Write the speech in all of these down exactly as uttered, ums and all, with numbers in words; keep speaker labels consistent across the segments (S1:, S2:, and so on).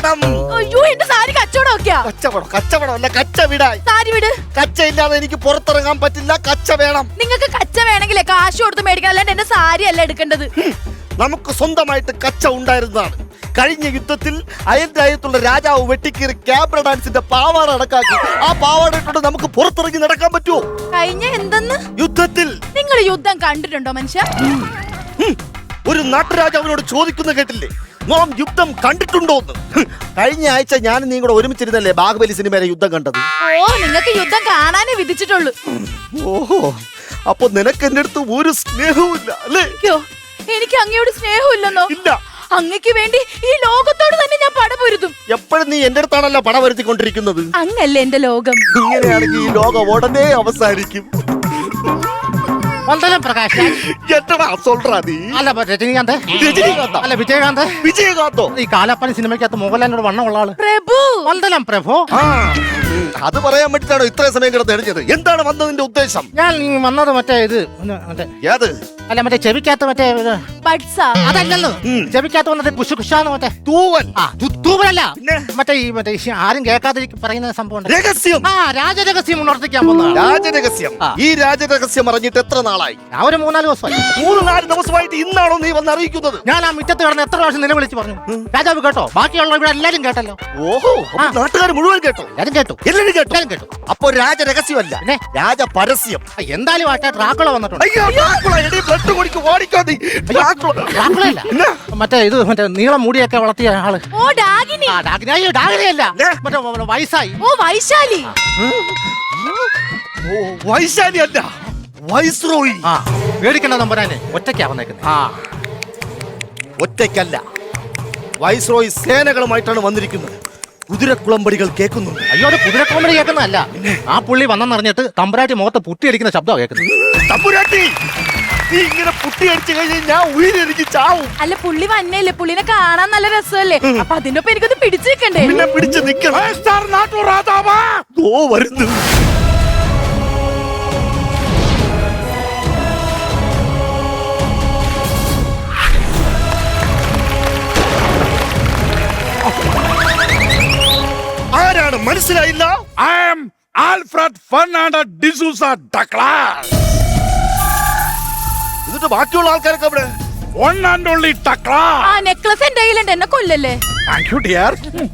S1: കച്ചവടം.
S2: അയ്യോ എന്റെ സാരി കച്ചവടമൊക്കെയാ.
S1: കച്ചവടം കച്ചവടം അല്ല, കച്ച വിടായി.
S2: സാരി വിട്.
S1: കച്ച ഇല്ലാതെ എനിക്ക് പുറത്തിറങ്ങാൻ പറ്റില്ല. കച്ച വേണം.
S2: നിങ്ങൾക്ക് കച്ച വേണമെങ്കിലേ കാശ് കൊടുത്ത് മേടിക്കണം, അല്ലാണ്ട് എന്റെ സാരി അല്ല എടുക്കേണ്ടത്.
S1: നമുക്ക് സ്വന്തമായിട്ട് കച്ച ഉണ്ടായിരുന്നതാണ്. കഴിഞ്ഞ യുദ്ധത്തിൽ അയൽ രാജ്യത്തുള്ള രാജാവ് വെട്ടിക്കീറി ക്യാബ്ര ഡാൻസിന്റെ പാവാട അടക്കാക്കി. ആ പാവാട ഇട്ടോണ്ട് നമുക്ക് പുറത്തിറങ്ങി നടക്കാൻ പറ്റുമോ?
S2: കഴിഞ്ഞ എന്തെന്ന്?
S1: യുദ്ധത്തിൽ.
S2: നിങ്ങൾ യുദ്ധം കണ്ടിട്ടുണ്ടോ മനുഷ്യ?
S1: ഒരു നാട്ടുരാജാവിനോട് ചോദിക്കുന്ന കേട്ടില്ലേ, നാം യുദ്ധം കണ്ടിട്ടുണ്ടോന്ന്? കഴിഞ്ഞ ആഴ്ച ഞാൻ നീ കൂടെ ഒരുമിച്ചിരുന്നല്ലേ ബാഹുബലി സിനിമയിലെ യുദ്ധം കണ്ടത്?
S2: ഓ, നിങ്ങൾക്ക് യുദ്ധം കാണാനേ വിധിച്ചിട്ടുള്ളൂ.
S1: ഓഹോ, അപ്പൊ നിനക്ക് എന്റെ അടുത്ത് ഒരു സ്നേഹവും ഇല്ല അല്ലേ?
S2: എനിക്ക് അങ്ങയോട് സ്നേഹമില്ലെന്നോ?
S1: ഇല്ല.
S2: അങ്ങക്ക് വേണ്ടി ഈ ലോകത്തോട് തന്നെ ഞാൻ പടപൊരുത്തും.
S1: എപ്പോഴും നീ എന്റെ അടുത്താണല്ലോ പട വരുത്തിക്കൊണ്ടിരിക്കുന്നത്.
S2: അങ്ങല്ലേ എന്റെ ലോകം.
S1: ഇങ്ങനെയാണെങ്കിൽ ഈ ലോകം ഉടനെ അവസാനിക്കും.
S3: പ്രകാശ്
S1: അല്ല രജനീകാന്ത്
S3: അല്ല വിജയകാന്ത്
S1: വിജയകാന്തോ
S3: ഈ കാലപ്പനി സിനിമയ്ക്കകത്ത് മോഹൻലാലിനോട് വണ്ണമുള്ള ആള്
S2: പ്രഭു.
S3: വന്ദനം പ്രഭു.
S1: അത് പറയാൻ വേണ്ടിട്ടാണോ ഇത്രയും സമയം കിടന്ന് എഴുതിയത്? എന്താണ് വന്നതിന്റെ ഉദ്ദേശം?
S3: ഞാൻ വന്നത് മറ്റേ ഇത് മറ്റേ
S1: ഏത്?
S3: അല്ല മറ്റേ ചെവിക്കകത്ത് മറ്റേ അതല്ലല്ലോ, ചെവിക്കകത്ത് വന്നത് കുശു കുശാന്ന് മറ്റേ
S1: തൂവൽ.
S3: ആ തൂവലല്ല, മറ്റേ ഈ മറ്റേ ആരും കേൾക്കാതെ പറയുന്ന സംഭവം
S1: രഹസ്യം.
S3: ആ രാജരഹസ്യം ഉണർത്തിക്കാൻ പോകുന്നതാണ്.
S1: രാജരഹസ്യം. ഈ രാജരഹസ്യം അറിഞ്ഞിട്ട് എത്ര നാളായി?
S3: ഞാൻ ഒരു മൂന്നാല് ദിവസമായി.
S1: മൂന്ന് നാല് ദിവസമായിട്ട് ഇന്നാണോ നീ വന്ന് അറിയിക്കുന്നത്?
S3: ഞാൻ ആ മുറ്റത്ത് കിടന്ന് എത്ര പ്രാവശ്യം നിലവിളിച്ച് പറഞ്ഞു. രാജാവ് കേട്ടോ? ബാക്കിയുള്ള ഇവിടെ എല്ലാരും കേട്ടല്ലോ.
S1: ഓഹോ, നാട്ടുകാർ മുഴുവൻ കേട്ടോ?
S3: എല്ലാരും കേട്ടു.
S1: എല്ലാരും കേട്ടു
S3: എല്ലാരും കേട്ടു.
S1: അപ്പൊ രാജരഹസ്യമല്ല, രാജ പരസ്യം.
S3: എന്തായാലും ആട്ടെ ഡ്രാക്കുള വന്നിട്ടുണ്ട്. മറ്റേ ഇത് മറ്റേ നീളം മൂടിയൊക്കെ വളർത്തിയ ആള്.
S2: ഓ ഡാഗിനി.
S3: ആ ഡാഗിനി. അയ്യോ ഡാഗിനിയല്ല, മറ്റേ വയസ്സായി.
S2: ഓ വൈശാലി.
S1: വൈശാലി അല്ല, വൈസ്രോയി.
S3: ആ പേടിക്കണ്ട നമ്പരാന്, ഒറ്റയ്ക്കാ വന്നേക്കുന്നത്.
S1: ആ ഒറ്റയ്ക്കല്ല, വൈസ്രോയി സേനകളുമായിട്ടാണ് വന്നിരിക്കുന്നത്. കുതിരക്കുളമ്പടികൾ കേൾക്കുന്നുണ്ട്.
S3: അയ്യോ അത് കുതിരക്കുളമ്പടി കേൾക്കുന്നതല്ല, ആ പുള്ളി വന്നെന്നറിഞ്ഞിട്ട് തമ്പുരാട്ടി മുഖത്ത് പുട്ടിയടിക്കുന്ന ശബ്ദമാണ് കേൾക്കുന്നത്.
S1: തമ്പുരാട്ടി നീ ഇങ്ങനെ പുട്ടിയടിച്ചു കഴിഞ്ഞാൽ ഞാൻ ഉയരെനിക്ക് ചാവും.
S2: അല്ല പുള്ളി വന്നല്ലേ, പുള്ളിനെ കാണാൻ നല്ല രസമല്ലേ, അപ്പൊ അതിനൊപ്പം എനിക്കൊന്ന് പിടിച്ചു നിൽക്കണ്ടേ?
S1: പിന്നെ പിടിച്ച് നിൽക്കണം. ഓ വരുന്നു. ആരാണ് മനസ്സിലായില്ല?
S4: I am Alfred Fernandez D'Souza Douglas.
S1: എന്നിട്ട് ബാക്കിയുള്ള ആൾക്കാരൊക്കെ അവിടെ?
S4: One and only Douglas.
S2: ആ നെക്ലസ് എന്റെ കയ്യിലുണ്ട്, എന്നെ കൊല്ലല്ലേ?
S4: Thank you dear.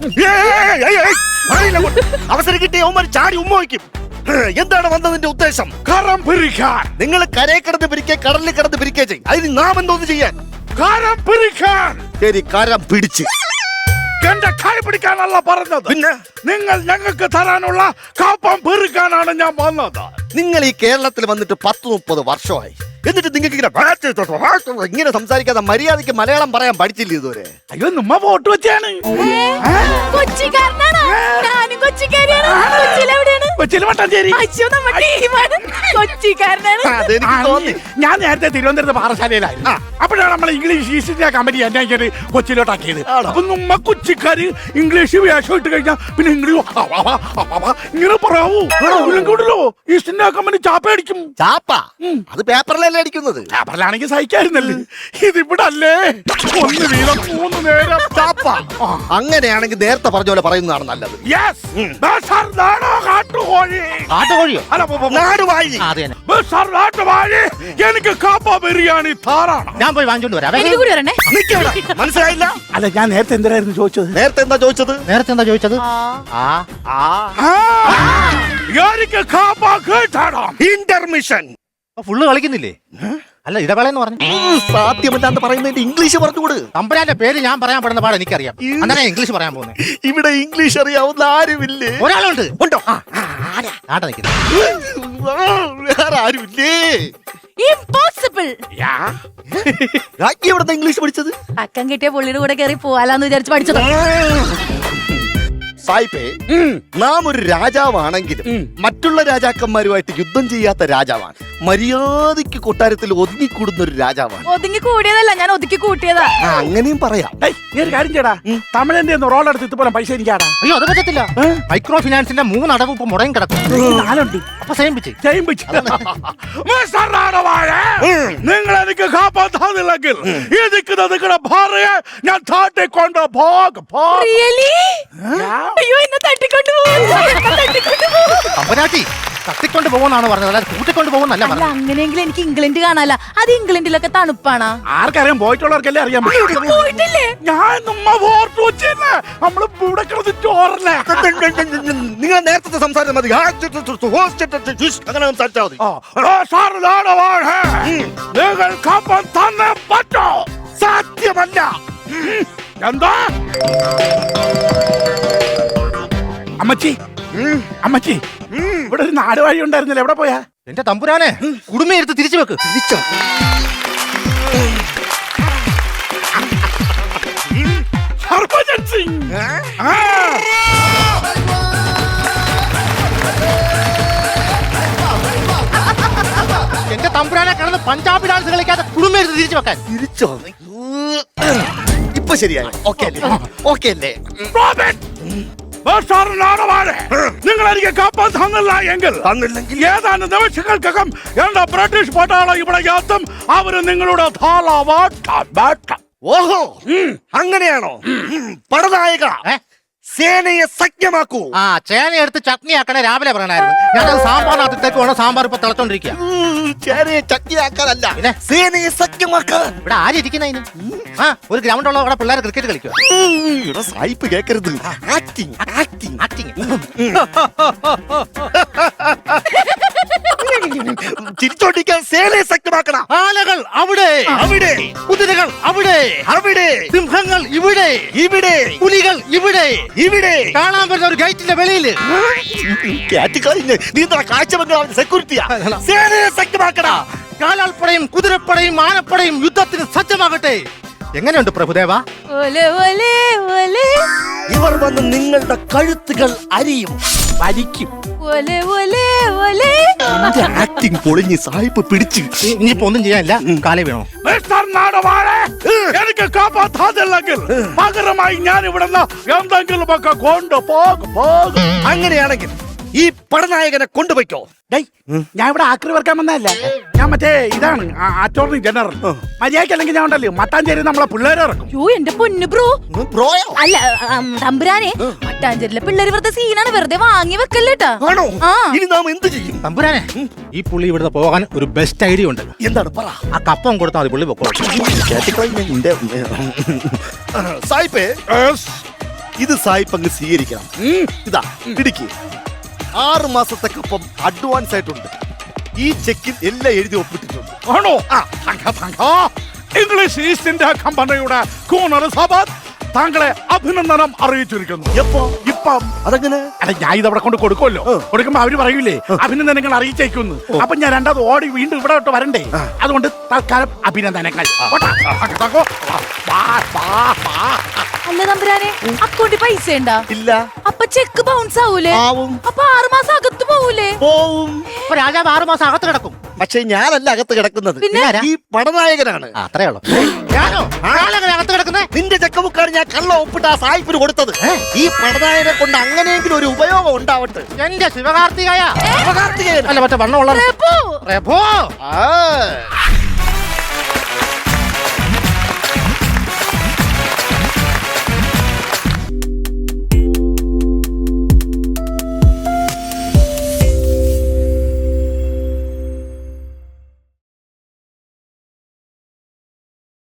S1: അവസരം കിട്ടിയ അവന്മാർ ചാടി ഉമ്മ വയ്ക്കും. എന്താണ് വന്നതിന്റെ ഉദ്ദേശം?
S4: കരം പിരിക്കാൻ.
S1: നിങ്ങൾ കരയെ കിടന്ന് പിരിക്കേ കടലിൽ കിടന്ന് പിരിക്കേ ചെയ്യും. അതിന് നാം എന്തോന്ന് ചെയ്യാൻ?
S4: കരം പിരിക്കാൻ.
S1: ശരി, കരം പിടിച്ച്.
S4: എന്റെ കൈ പിടിക്കാനല്ല പറഞ്ഞത്,
S1: പിന്നെ
S4: നിങ്ങൾ ഞങ്ങൾക്ക് തരാനുള്ള കാപ്പം പെറുക്കാനാണ് ഞാൻ വന്നത്.
S1: നിങ്ങൾ ഈ കേരളത്തിൽ വന്നിട്ട് പത്ത് മുപ്പത് വർഷമായി, എന്നിട്ട് നിങ്ങൾക്ക് ഇങ്ങനെ ഇങ്ങനെ സംസാരിക്കാതെ മര്യാദയ്ക്ക് മലയാളം പറയാൻ പഠിച്ചില്ല ഇതുവരെ?
S4: അയ്യോ നമ്മ വോട്ട് വെച്ചാണ്.
S2: കൊച്ചിക്കാരനാണോ? ഞാനും കൊച്ചിക്കാരിയാണ്. കൊച്ചിയിലെവിടെയാണ്?
S4: കൊച്ചിയിൽ മട്ടാഞ്ചേരി.
S2: അയ്യോ നമ്മുടെ ടീമാണ്. കൊച്ചിക്കാരനാണ്.
S1: അതെനിക്ക് തോന്നി.
S4: ഞാൻ നേരത്തെ തിരുവനന്തപുരത്ത് പാറശാലയിലായിരുന്നു. അപ്പോഴാണ് നമ്മൾ ഇംഗ്ലീഷ് ഈസ്റ്റ് ഇന്ത്യ കമ്പനി എന്നെ ഇങ്ങനെ കൊച്ചിയിലോട്ടാക്കിയത്. അപ്പൊ നമ്മ കൊച്ചിക്കാര് ഇംഗ്ലീഷ് വേഷം ഇട്ട് കഴിഞ്ഞാൽ പിന്നെ ഇംഗ്ലീഷ് ഇങ്ങനെ പറയാവൂ. ഈസ്റ്റ് ഇന്ത്യ കമ്പനി ചാപ്പ അടിക്കും.
S1: ചാപ്പ? അത് പേപ്പറിലല്ലേ അടിക്കുന്നത്?
S4: പേപ്പറിലാണെങ്കിൽ സഹിക്കായിരുന്നല്ലേ, ഇതിവിടെ അല്ലേ ഒന്ന് വീതം മൂന്ന് നേരം ചാപ്പ.
S1: അങ്ങനെയാണെങ്കിൽ നേരത്തെ പറഞ്ഞ പോലെ പറയുന്നതാണ് നല്ലത്.
S3: കാട്ടുകോഴിയോ?
S1: നാടുവാഴി.
S4: എനിക്ക് കാപ്പ ബിരിയാണി താറാണ്.
S3: ഞാൻ പോയി വാങ്ങിച്ചോണ്ട് വരാം.
S2: എനിക്ക് കൂടി വരണേ.
S1: മനസ്സിലായില്ല?
S4: അല്ല ഞാൻ നേരത്തെ എന്തിനായിരുന്നു ചോദിച്ചത്?
S1: നേരത്തെ എന്താ ചോദിച്ചത്?
S3: നേരത്തെ എന്താ ചോദിച്ചത്?
S4: എനിക്ക് കാപ്പ കേട്ടാടാം.
S1: ഇന്റർമിഷൻ.
S3: ഫുള്ള് കളിക്കുന്നില്ലേ? അല്ല ഇടവേളയെന്ന് പറഞ്ഞു.
S1: സാധ്യമല്ലാന്ന് പറയുന്നതിന്റെ ഇംഗ്ലീഷ് പറഞ്ഞുകൂട്.
S3: തമ്പുരാന്റെ പേര് ഞാൻ പറയാൻ പെടുന്ന പാട് എനിക്കറിയാം. അങ്ങനെ ഇംഗ്ലീഷ് പറയാൻ പോകുന്നത്.
S1: ഇവിടെ ഇംഗ്ലീഷ് അറിയാവുന്ന ആരുമില്ലേ?
S3: ഒരാളുണ്ട്.
S1: ഉണ്ടോ?
S3: ആടെ നിൽക്കുന്നത്.
S1: വേറെ ആരുമില്ലേ?
S2: ഇംപോസിബിൾ.
S1: എവിടുന്ന ഇംഗ്ലീഷ് പഠിച്ചത്?
S2: അക്കം കിട്ടിയ പുള്ളിയുടെ കൂടെ കയറി പോവാലാന്ന് വിചാരിച്ച് പഠിച്ചത്.
S1: സായിപ്പേ, നാം ഒരു രാജാവാണെങ്കിലും മറ്റുള്ള രാജാക്കന്മാരുമായിട്ട് യുദ്ധം ചെയ്യാത്ത രാജാവാണ്. മര്യാദയ്ക്ക് കൊട്ടാരത്തിൽ ഒതുങ്ങിക്കൂടുന്ന ഒരു രാജാവാണ്.
S2: ഒതുങ്ങി കൂടിയതല്ല, ഞാൻ ഒതുക്കി കൂട്ടിയതാ.
S1: ആ, അങ്ങനെയും പറയാം.
S4: ഡേയ്, നീ ഒരു കാര്യം ചെയ്യടാ, തമിഴന്റെ റോൾ എടുത്ത് ഇതുപോലെ പൈസ എനിക്കാടാ.
S3: അയ്യോ അത് പറ്റത്തില്ല. മൈക്രോ ഫിനാൻസിന്റെ മൂന്ന് അടവ് ഇപ്പൊ മുടങ്ങി കിടക്കും.
S4: നാലുണ്ട്.
S3: അപ്പൊ സെയിം പിച്ച്
S4: നിങ്ങൾ എനിക്ക് കാപ്പാത്താന്നില്ലെങ്കിൽ ഈ നിൽക്കുന്ന നിങ്ങളുടെ ഭാര്യയെ ഞാൻ താട്ടിക്കൊണ്ട് പോകും.
S2: Really? അയ്യോ, എന്നെ തട്ടിക്കൊണ്ട് പോകും, എന്നെ തട്ടിക്കൊണ്ട് പോകും.
S3: തമ്പുരാട്ടി തട്ടിക്കൊണ്ട് പോകുന്നാണ് പറഞ്ഞത്, അല്ലാതെ കൂട്ടിക്കൊണ്ട് പോകുന്നല്ല
S2: അല്ല,
S3: പറഞ്ഞത്.
S2: അങ്ങനെയെങ്കിൽ എനിക്ക് ഇംഗ്ലണ്ട് കാണാല. അത് ഇംഗ്ലണ്ടിലൊക്കെ തണുപ്പാണ്.
S4: ആർക്കറിയാം, പോയിട്ടുള്ളവർക്കല്ലേ അറിയാൻ പറ്റും.
S2: പോയിട്ടില്ലേ?
S4: ഞാൻ നമ്മ ഓർത്തു വെച്ചില്ലേ, നമ്മള് ഇവിടെ കിടന്ന് ചോറല്ലേ.
S1: നിങ്ങൾ നേരത്തെ സംസാരിച്ചാൽ മതി. ആ, ചു, ചു, ചു, ചു, ഹോസ്റ്റ്, ചു, ചു, ചു, അങ്ങനെ സംസാരിച്ചാൽ മതി.
S4: ആ, എടോ, സാർ, ഇതാണ് വാഴ. നിങ്ങൾ കാപ്പാൻ തന്നെ പറ്റോ?
S1: സാധ്യമല്ല.
S4: ഉം. എന്താ അമ്മച്ചി? അമ്മച്ചി, ഇവിടെ ഒരു നാട് വഴി ഉണ്ടായിരുന്നില്ല, എവിടെ പോയാ?
S3: എന്റെ തമ്പുരാനെ കുടുംബയെടുത്ത് തിരിച്ചു വെക്ക്.
S1: തിരിച്ചോ?
S4: ഹർഭജൻ സിംഗ്. ആ.
S3: എന്റെ തമ്പുരാനെ കിടന്ന് പഞ്ചാബി ഡാൻസ് കളിക്കാതെ കുടുംബയെടുത്ത് തിരിച്ചു വെക്കാൻ.
S1: തിരിച്ചോ? ഇപ്പൊ ശരിയായി. ഓക്കെ അല്ലേ? ഓക്കെ അല്ലേ?
S4: റോബിൻ, സാറിനാണ് വാഴ. നിങ്ങൾ എനിക്ക് കാപ്പാൻ തന്നില്ല എങ്കിൽ
S1: തന്നില്ലെങ്കിൽ
S4: ഏതാനും നിമിഷങ്ങൾക്കകം എന്റെ ബ്രിട്ടീഷ് പട്ടാളം ഇവിടെ എത്തും. അവര് നിങ്ങളുടെ
S1: ഓഹോ, അങ്ങനെയാണോ? പടനായക, സേനയെ സഖ്യമാക്കൂ.
S3: ആ ചേന എടുത്ത് ചട്നി ആക്കണേ രാവിലെ പറയണായിരുന്നു. ഞാനത് സാമ്പാറിനകത്തേക്ക് വേണം, സാമ്പാർ ഇപ്പൊ തിളച്ചോണ്ടിരിക്കുക.
S1: ചേനയെ ചക്കിയാക്കാനല്ല,
S3: പിന്നെ?
S1: സേനയെ സഖ്യമാക്കാൻ.
S3: ഇവിടെ ആരിയ്ക്കുന്നതിന്? ആ ഒരു ഗ്രൗണ്ട് ഉള്ള അവിടെ പിള്ളേർ ക്രിക്കറ്റ് കളിക്കുക.
S1: ഇവിടെ സായിപ്പ് കേക്കരുത്. Acting acting
S3: acting.
S1: ചിരിച്ചോണ്ടിരിക്കാൻ സേനയെ സഖ്യമാക്കണം.
S3: ആനകൾ അവിടെ
S1: അവിടെ,
S3: കുതിരകൾ അവിടെ
S1: അവിടെ,
S3: സിംഹങ്ങൾ ഇവിടെ
S1: ഇവിടെ,
S3: പുലികൾ ഇവിടെ
S1: ഇവിടെ.
S3: കാണാൻ പറ്റുന്ന ഒരു ഗേറ്റിന്റെ വെളിയില്
S1: കഴിഞ്ഞ് നീ എന്താ കാഴ്ച ബംഗ്ലാവിന്റെ സെക്യൂരിറ്റിയാ? സേനയെ സഖ്യമാക്കടാ.
S3: കാലാൾപ്പടയും കുതിരപ്പടയും ആനപ്പടയും യുദ്ധത്തിന് സജ്ജമാകട്ടെ. എങ്ങനെയുണ്ട് പ്രഭുദേവ?
S2: ഒലെ, ഒലെ, ഒലെ.
S1: ഇവർ വന്ന് നിങ്ങളുടെ കഴുത്തുകൾ അരിയും,
S4: വലിക്കും.
S2: ഒലെ, ഒലെ, ഒലെ.
S1: ആക്ടിങ് പൊളിഞ്ഞ് സായിപ്പ് പിടിച്ച്.
S3: ഇനിയിപ്പോ ഒന്നും ചെയ്യാനില്ല, കാലേ വേണോ?
S4: മിസ്റ്റർ നാടുവാഴ, എനിക്ക് കാപ്പാൻ തന്നില്ലെങ്കിൽ പകരമായി ഞാൻ ഇവിടുന്ന് എന്തെങ്കിലും ഒക്കെ കൊണ്ടുപോകും. പോകും.
S1: അങ്ങനെയാണെങ്കിൽ ഈ പടനായകനെ കൊണ്ടുപോയിക്കോ.
S4: ഡേയ്, ഞാൻ ഇവിടെ ആക്രി വർക്കാൻ വന്നതല്ല. ഞാൻ മറ്റേ ഇതാണ് അറ്റോർണി ജനറൽ. മര്യാദയ്ക്ക് അല്ലെങ്കിൽ ഞാൻ ഉണ്ടല്ലോ മട്ടാഞ്ചേരി നമ്മളെ പിള്ളേരെ ഇറക്കും.
S2: യോ, എന്റെ പൊന്നു ബ്രോ.
S1: ബ്രോയോ?
S2: അല്ല, ആം, തമ്പുരാനെ, മട്ടാഞ്ചേരിയിലെ പിള്ളേര് വെറുതെ സീനാണ്, വെറുതെ വാങ്ങി വെക്കല്ലേട്ടാ.
S1: ആണോ?
S2: ആ.
S1: ഇനി നാം എന്ത് ചെയ്യും?
S3: തമ്പുരാനെ, ഈ പുള്ളി ഇവിടുന്ന് പോകാൻ ഒരു ബെസ്റ്റ് ഐഡിയ ഉണ്ട്.
S1: എന്താണ് പറ.
S3: ആ കപ്പം കൊടുത്താൽ മതി, പുള്ളി പൊക്കോ.
S1: സായിപ്പേ, ഇത് സായിപ്പ് അങ്ങ് സ്വീകരിക്കണം. ഇതാ പിടിക്ക്. ആറ് മാസത്തെ കപ്പം അഡ്വാൻസ് ആയിട്ടുണ്ട്. ഈ ചെക്കിൽ എല്ലാം എഴുതി ഒപ്പിട്ടിട്ടുണ്ട്.
S4: ആണോ? ഇംഗ്ലീഷ് ഈസ്റ്റ് ഇന്ത്യ കമ്പനിയുടെ കൂണർ സഭ താങ്കളെ അഭിനന്ദനം അറിയിച്ചിരിക്കുന്നു.
S1: എപ്പോ?
S4: ഇപ്പം.
S1: അതെങ്ങനെ?
S4: അല്ല, ഞാൻ ഇത് അവിടെ കൊണ്ട് കൊടുക്കുമല്ലോ. കൊടുക്കുമ്പോ അവര് പറയൂലേ അഭിനന്ദനങ്ങൾ അറിയിച്ചേക്കുന്നു. അപ്പൊ ഞാൻ രണ്ടാമത് ഓടി വീണ്ടും ഇവിടെ തൊട്ട് വരണ്ടേ? അതുകൊണ്ട് തൽക്കാലം അഭിനന്ദനങ്ങൾ.
S2: അല്ല തമ്പുരാനെ, അക്കൗണ്ടിൽ പൈസ ഉണ്ടാ?
S1: ഇല്ല.
S2: അപ്പൊ ചെക്ക് ബൗൺസ് ആവൂലേ?
S1: ആവും.
S2: അപ്പൊ ആറ് മാസം അകത്ത് പോവൂലേ?
S1: പോവും.
S3: ഇപ്പൊ രാജാവ് ആറു മാസം അകത്ത് കിടക്കും.
S1: പക്ഷെ ഞാനല്ല അകത്ത് കിടക്കുന്നത്,
S2: പിന്നെ?
S1: ഈ പടനായകനാണ്.
S3: ആ, അത്രേ ഉള്ളൂ. ഞാനോ ആളെങ്ങനെ അകത്ത് കിടക്കുന്നേ?
S1: നിന്റെ ചെക്കബുക്കാണ് ഞാൻ കള്ള ഒപ്പിട്ട് ആ സായിപ്പിന് കൊടുത്തത്. ഈ പടനായകനെ കൊണ്ട് അങ്ങനെയെങ്കിലും ഒരു ഉപയോഗം ഉണ്ടാവട്ടെ.
S3: എന്റെ ശിവകാർത്തികയ
S1: ശിവകാർത്തികേയൻ.
S3: അല്ല, മറ്റേ വണ്ണമുള്ള
S2: പ്രഭു.
S3: പ്രഭു.
S1: ആ